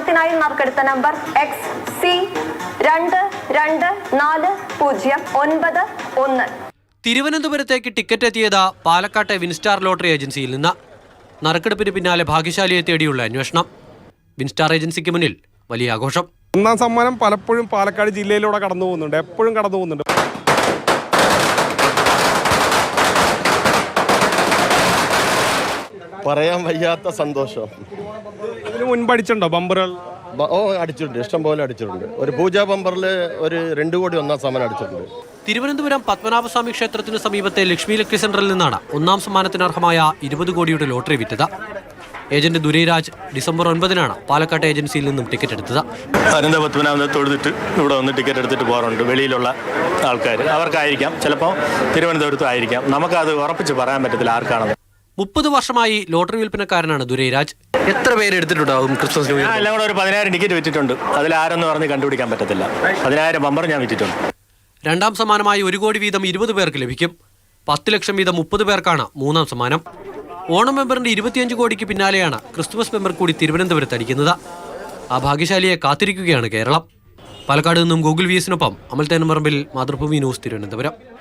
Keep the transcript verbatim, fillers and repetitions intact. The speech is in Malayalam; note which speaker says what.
Speaker 1: സമ്മാനത്തിനായി നറുക്കെടുത്ത നമ്പർ എക്സ് സി രണ്ട് രണ്ട് നാല് പൂജ്യം ഒൻപത് ഒന്ന്.
Speaker 2: തിരുവനന്തപുരത്തേക്ക് ടിക്കറ്റ് എത്തിയത് പാലക്കാട്ടെ വിൻസ്റ്റാർ ലോട്ടറി ഏജൻസിയിൽ നിന്ന്. നറുക്കെടുപ്പിന് പിന്നാലെ ഭാഗ്യശാലിയെ തേടിയുള്ള അന്വേഷണം. വിൻസ്റ്റാർ ഏജൻസിക്ക് മുന്നിൽ വലിയ ആഘോഷം.
Speaker 3: ഒന്നാം സമ്മാനം പലപ്പോഴും പാലക്കാട് ജില്ലയിലൂടെ കടന്നു പോകുന്നുണ്ട്, എപ്പോഴും കടന്നു പോകുന്നുണ്ട്.
Speaker 4: പറയാൻ വയ്യാത്ത സന്തോഷം.
Speaker 3: ഇതിന് മുൻപ് അടിച്ചിട്ടുണ്ടോ ബമ്പറുകൾ?
Speaker 4: ഓ അടിച്ചിട്ടുണ്ട്, ഇഷ്ടം പോലെ അടിച്ചിട്ടുണ്ട്. ഒരു പൂജാ ബമ്പറിൽ ഒരു രണ്ട് കോടി ഒന്നാം സമ്മാനം അടിച്ചിട്ടുണ്ട്.
Speaker 2: തിരുവനന്തപുരം പത്മനാഭസ്വാമി ക്ഷേത്രത്തിന് സമീപത്തെ ലക്ഷ്മി ഇലക്ട്രിക് സെന്ററിൽ നിന്നാണ് ഒന്നാം സമ്മാനത്തിന് അർഹമായ ഇരുപത് കോടിയുടെ ലോട്ടറി വിറ്റത്. ഏജന്റ് ദുരൈരാജ് ഡിസംബർ ഒൻപതിനാണ് പാലക്കാട് ഏജൻസിയിൽ നിന്നും ടിക്കറ്റ് എടുത്തത്.
Speaker 5: അനന്ത പത്മനാഭനെ തൊഴുതിട്ട് ഇവിടെ വന്ന് ടിക്കറ്റ് എടുത്തിട്ട് പോകാറുണ്ട് വെളിയിലുള്ള ആൾക്കാർ. അവർക്കായിരിക്കാം, ചിലപ്പോൾ തിരുവനന്തപുരത്തും ആയിരിക്കാം. നമുക്കത് ഉറപ്പിച്ച് പറയാൻ പറ്റത്തില്ല ആർക്കാണെന്ന്.
Speaker 2: മുപ്പത് വർഷമായി ലോട്ടറി വിൽപ്പനക്കാരനാണ് ദുരൈരാജ്. എത്ര പേര് എടുത്തിട്ടുണ്ടാവും ക്രിസ്മസ് ന്യൂ ഇയർ?
Speaker 5: എല്ലാം കൂടെ ഒരു പതിനായിരം ടിക്കറ്റ് വിറ്റിട്ടുണ്ട്. അതിൽ ആരെന്ന് പറഞ്ഞ് കണ്ടുപിടിക്കാൻ പറ്റത്തില്ല. പതിനായിരം ബമ്പർ ഞാൻ വിറ്റിട്ടുണ്ട്.
Speaker 2: രണ്ടാം സമ്മാനമായി ഒരു കോടി വീതം ഇരുപത് പേർക്ക് ലഭിക്കും. പത്ത് ലക്ഷം വീതം മുപ്പത് പേർക്കാണ് മൂന്നാം സമ്മാനം. ഓണം മെമ്പറിന്റെ ഇരുപത്തിയഞ്ച് കോടിക്ക് പിന്നാലെയാണ് ക്രിസ്തുമസ് മെമ്പർ കൂടി തിരുവനന്തപുരത്ത് അടിക്കുന്നത്. ആ ഭാഗ്യശാലിയെ കാത്തിരിക്കുകയാണ് കേരളം. പാലക്കാട് നിന്നും ഗൂഗിൾ വി എസിനൊപ്പം അമൽ തേനമ്പറമ്പിൽ, മാതൃഭൂമി ന്യൂസ്, തിരുവനന്തപുരം.